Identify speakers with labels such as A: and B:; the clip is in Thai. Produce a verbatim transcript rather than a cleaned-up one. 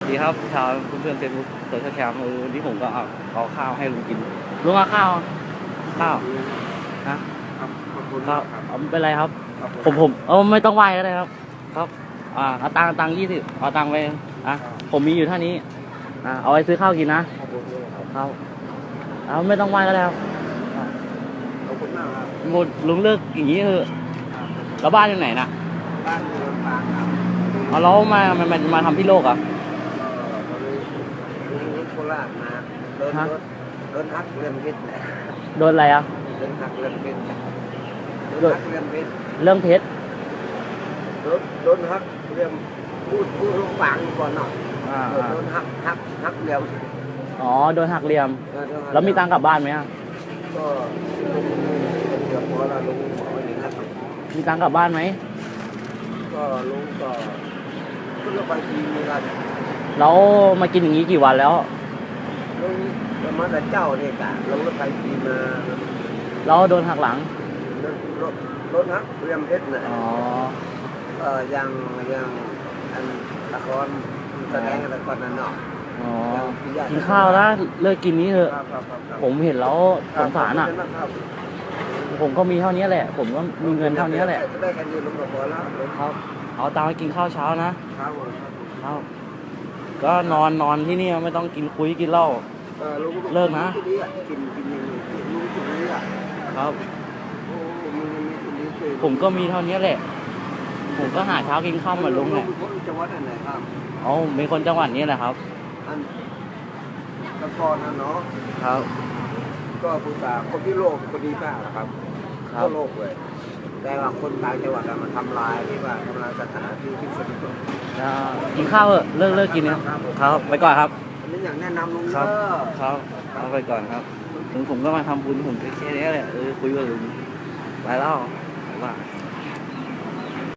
A: ดีครับชาวเพื่อนๆเฟซบุ๊กโซเชียลแคมป์เออวันนี้ผมก็เอาเอาข้าวให้ลุงกินลุงเอาข้าวข้าวฮะ
B: ครับขอบคุณ
A: ข้าว
B: ครับ
A: เอาไม่เป็นไรครับ
B: ครับ
A: ผมผมเออไม่ต้องไหวก็ได้ครับ ครับอ่าเอาตังค์ตังค์ยี่สิบเอาตังค์ไปอ่ะผมมีอยู่เท่านี้อ่าเอาไว้ซื้อข้าวกินนะ
B: ขอบคุณครับ
A: ครับเอาไม่ต้องไหวก็ได้ครับ
B: ขอบคุณมากครับ
A: หมดลุงเลิกอย่างนี้เถอะแล้วบ้านอยู่ไหนนะ
B: บ้านอยู่ลำปางครับ
A: เอาแล้วมามามามาทำที่โลกเหรอ่ะ
B: ก็ตอนนี้ลุงโคราชมาเดิน
A: ฮะ
B: รถเดินฮักเรือนเพชร
A: โดนอะไรอ่ะ
B: เดินฮักเรือนเพชรเดินฮักเรือนเพชร
A: เรื่องเพชร
B: รถรถฮักเรือนพูดพูดลงปางก่อนเนาะ
A: อ่า
B: เดินฮักฮักฮักเรือน
A: อ๋อโดนหักเหลี่ยม
B: เออเดินฮัก
A: แล้วมีตังค์กลับบ้านไหมอ่ะ
B: ก็ลุงเดี๋ยวพอละลุงบอกว่าอย่างนั้นครับ
A: มีตังค์กลับบ้านไหม
B: ก็ลุงก็ขึ้นรถไฟทีมีกัน
A: แล้วมากินอย่างนี้กี่วันแล้ว
B: ลุงจะมาแต่เจ้าเนี่ยกะลงรถไฟทีมา
A: แล้วโดนหักหลัง
B: รถรถรถฮักเรียมเพชรนะ
A: อ๋อ
B: เออยังยังอันละครแสดงละครนั่นเนาะ
A: อ๋อ
B: ยังพี่ญติ
A: กินข้าวนะเลิกกินนี้เถอะ
B: ครับครับครับครับ
A: ผมเห็นแล้วสงสารอ่ะ
B: ครับ
A: ผมก็มีเท่านี้แหละ ผมก็มีเงินเท่านี้แหละ
B: ได้กันอยู่ลงกับพอแล้วลุง
A: ครับ เอาตังค์ไปกินข้าวเช้านะครับ
B: ผม
A: ครับก็นอนนอนที่นี่ไม่ต้องกินคุยกินเหล้า
B: เออลุง
A: เลิกนะ
B: กินดีอ่ะกินกินอย่างนี้ลุงกินดีอ่ะ
A: ครับ
B: โอ้มึงมีกินดีเกิน
A: ผมก็มีเท่านี้แหละ ผมก็หาเช้ากินข้าวเหมือนลุงแหละ
B: ลุงจังหวัดไหนครับ
A: อ๋อเป็นคนจังหวัดนี้แหละครับ
B: อันตะกอนนะเนาะ
A: ครับ
B: ก็ผู้สาวคนที่โลกคนดีมากนะครับ
A: ครั
B: ทั่
A: บ
B: วโลกเลย แต่ว่าคนต่างจังหวัดอะมันทำลายที่ว่าทำลายสถานที่ที่สนุก
A: อ่ากินข้าวเถอะเลิกเลิกกินนะครับครับ ไปก่อนครับ
B: อันนี้อย่างแนะนำลุง
A: ครับ
B: เด้อ
A: ครับเอาไปก่อนครับถึงผมก็มาทำบุญผมแค่นี้แหละเออคุยกับลุงไปแล้วว่า